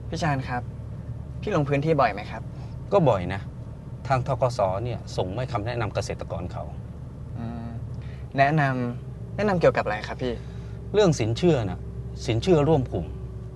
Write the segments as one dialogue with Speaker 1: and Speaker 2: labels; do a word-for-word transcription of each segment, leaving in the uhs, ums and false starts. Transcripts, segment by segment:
Speaker 1: พี่ชาญครับพี่ลงพื้นที่บ่อยไหมครับ
Speaker 2: ก็บ่อยนะทางธกสเนี่ยส่งไม่คำแนะนำเกษตรกรเขา
Speaker 1: แนะนำแนะนำเกี่ยวกับอะไรครับพี่
Speaker 2: เรื่องสินเชื่อนะสินเชื่อร่วมกลุ่ม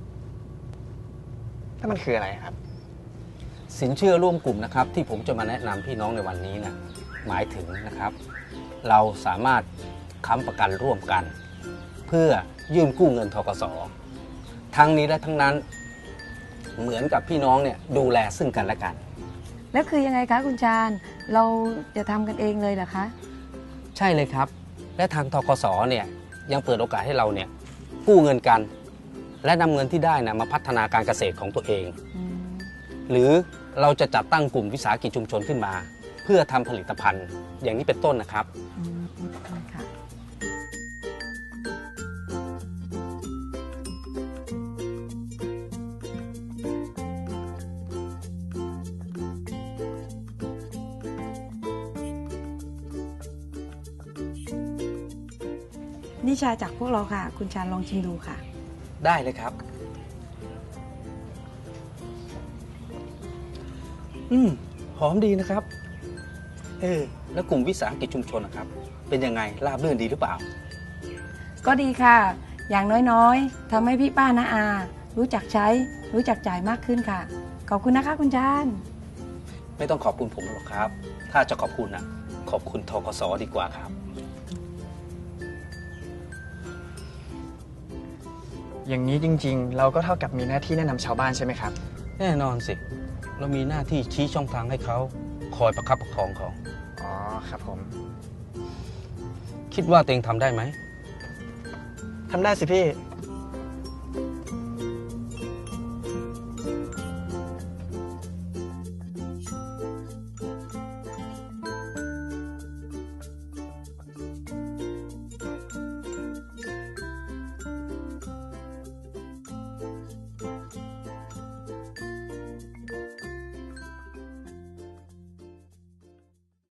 Speaker 1: ถ้ามันคืออะไรครับ
Speaker 2: สินเชื่อร่วมกลุ่มนะครับที่ผมจะมาแนะนำพี่น้องในวันนี้นะหมายถึงนะครับเราสามารถค้ำประกันร่วมกันเพื่อยื่นกู้เงินธกสทั้งนี้และทั้งนั้นเหมือนกับพี่น้องเนี่ยดูแลซึ่งกันและกัน
Speaker 3: แล้วคือยังไงคะคุณชาญเราจะทำกันเองเลยเหรอคะ
Speaker 2: ใช่เลยครับและทางธกสเนี่ยยังเปิดโอกาสให้เราเนี่ยกู้เงินกันและนำเงินที่ได้นะมาพัฒนาการเกษตรของตัวเองหรือเราจะจัดตั้งกลุ่มวิสาหกิจชุมชนขึ้นมาเพื่อทำผลิตภัณฑ์อย่างนี้เป็นต้นนะครับ
Speaker 3: นี่ชาจากพวกเราค่ะคุณชาญลองชิมดูค่ะ
Speaker 2: ได้เลยครับอืมหอมดีนะครับเออแล้วกลุ่มวิสาหกิจชุมชนนะครับเป็นยังไงราบรื่นดีหรือเปล่า
Speaker 3: ก็ดีค่ะอย่างน้อยๆทำให้พี่ป้าน้าอารู้จักใช้รู้จักจ่ายมากขึ้นค่ะขอบคุณนะคะคุณชาญ
Speaker 2: ไม่ต้องขอบคุณผมหรอกครับถ้าจะขอบคุณนะขอบคุณธกสดีกว่าครับ
Speaker 1: อย่างนี้จริงๆเราก็เท่ากับมีหน้าที่แนะนำชาวบ้านใช่ไหมครับ
Speaker 2: แน่นอนสิเรามีหน้าที่ชี้ช่องทางให้เขาคอยประคับประคองเขา
Speaker 1: อ๋อครับผม
Speaker 2: คิดว่าตัวเองทำได้ไหม
Speaker 1: ทำได้สิพี่